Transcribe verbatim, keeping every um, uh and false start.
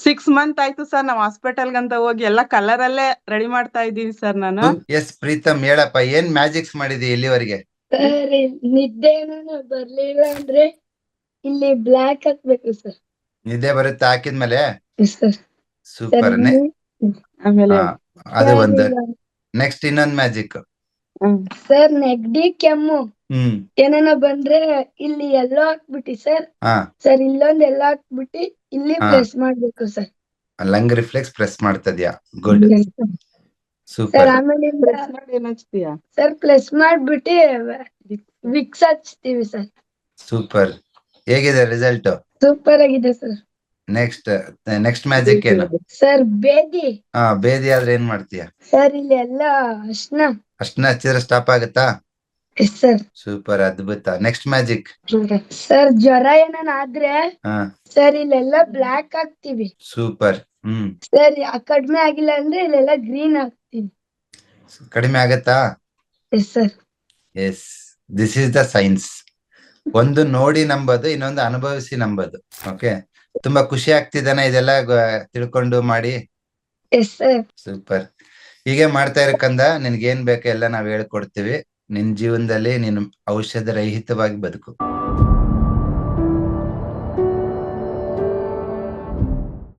Six month ಆಯ್ತು sir ನಾವ್ hospital ಗಂತ ಹೋಗಿ ಎಲ್ಲ ಕಲರ್ ಅಲ್ಲೇ ರೆಡಿ ಮಾಡ್ತಾ ಇದ್ದೀನಿ ಸರ್ ನಾನು. ಎಸ್ ಪ್ರೀತಮ್ ಹೇಳಪ್ಪ, ಏನ್ ಮ್ಯಾಜಿಕ್ಸ್ ಮಾಡಿದಿ ಇಲ್ಲಿವರೆಗೆ? ಸರ್ ನಿದ್ದೆ ಏನಾನ ಬರ್ಲಿಲ್ಲ ಅಂದ್ರೆ ಇಲ್ಲಿ ಬ್ಲಾಕ್ ಹಾಕ್ಬೇಕು ಸರ್. ನಿದ್ದೆ ಬರುತ್ತೆ ಹಾಕಿದ್ಮೇಲೆ? Sir super. ಆಮೇಲೆ ಅದು ಸರ್ ಒಂದು. ಇಲ್ಲ. ನೆಕ್ಸ್ಟ್ ಇನ್ನೊಂದ್ ಮ್ಯಾಜಿಕ್. ಹ್ಮ್ ಸರ್ ನೆಗಡಿ ಕೆಮ್ಮು ಹ್ಮ್ ಏನಾನ ಬಂದ್ರೆ ಇಲ್ಲಿ ಎಲ್ಲೋ ಹಾಕ್ಬಿಟ್ಟಿ ಸರ್. ಹಾ ಸರ್ ಇಲ್ಲೊಂದ್ ಎಲ್ಲ ಹಾಕ್ಬಿಟ್ಟಿ ಇಲ್ಲಿ ಹಾ. ಪ್ರೆಸ್ ಮಾಡ್ಬೇಕು ಸರ್. ಲಂಗ್ ರಿಫ್ಲೆಕ್ಸ್ ಪ್ರೆಸ್ ಮಾಡ್ತದ್ಯಾ? Good, sir super. ಆಮೇಲೆ ಪ್ರೆಸ್ ಮಾಡಿ ಏನ್ ಹಚ್ತೀಯಾ? ಸರ್ ಪ್ರೆಸ್ ಮಾಡ್ಬಿಟ್ಟಿ ವಿಕ್ಸ್ ಹಚ್ತೀವಿ ಸರ್. ಸೂಪರ್. ಹೇಗಿದೆ ರಿಸಲ್ಟ್? ಸೂಪರ್ ಆಗಿದೆ ಸರ್. ನೆಕ್ಸ್ಟ್ ನೆಕ್ಸ್ಟ್ ಮ್ಯಾಜಿಕ್ ಏನು? ಸರ್ ಬೇದಿ. ಹಾ, ಬೇದಿ ಆದ್ರೆ ಏನ್ ಮಾಡ್ತೀಯ? ಸರ್ ಇಲ್ಲಿ ಎಲ್ಲ ಅರ್ಶನ. ಅಷ್ಟನ್ನ ಹಚ್ಚಿದ್ರೆ ಸ್ಟಾಪ್ ಆಗುತ್ತಾ? Yes sir. ಸೂಪರ್, ಅದ್ಭುತ. Next magic. ಸರ್ ಜ್ವರ ಏನಾನ ಆದ್ರೆ ಹಾ, ಸರ್ ಇಲ್ಲೆಲ್ಲ ಬ್ಲಾಕ್ ಹಾಕ್ತಿವಿ. ಸೂಪರ್. ಹ್ಮ್ ಸರ್ ಕಡಿಮೆ ಆಗಿಲ್ಲ ಅಂದ್ರೆ ಇಲ್ಲೆಲ್ಲ ಗ್ರೀನ್ ಹಾಕ್ತಿವಿ. ಕಡಿಮೆ ಆಗತ್ತಾ? Yes sir. Yes, this is the science. ಒಂದು ನೋಡಿ ನಂಬೋದು, ಇನ್ನೊಂದು ಅನುಭವಿಸಿ ನಂಬೋದು. ಓಕೆ, ತುಂಬಾ ಖುಷಿ ಆಗ್ತಿದ್ದಾನೆ ಇದೆಲ್ಲ ಗ- ತಿಳ್ಕೊಂಡು ಮಾಡಿ? Yes sir. ಸೂಪರ್. ಹೀಗೆ ಮಾಡ್ತಾ ಇರಕಂದ ನಿನ್ಗೆ ಏನ್ ಬೇಕೋ ಎಲ್ಲ ನಾವ್ ಹೇಳ್ಕೊಡ್ತೀವಿ. ನಿನ್ ಜೀವನದಲ್ಲಿ ನೀನು ಔಷಧ ರಹಿತವಾಗಿ ಬದುಕು.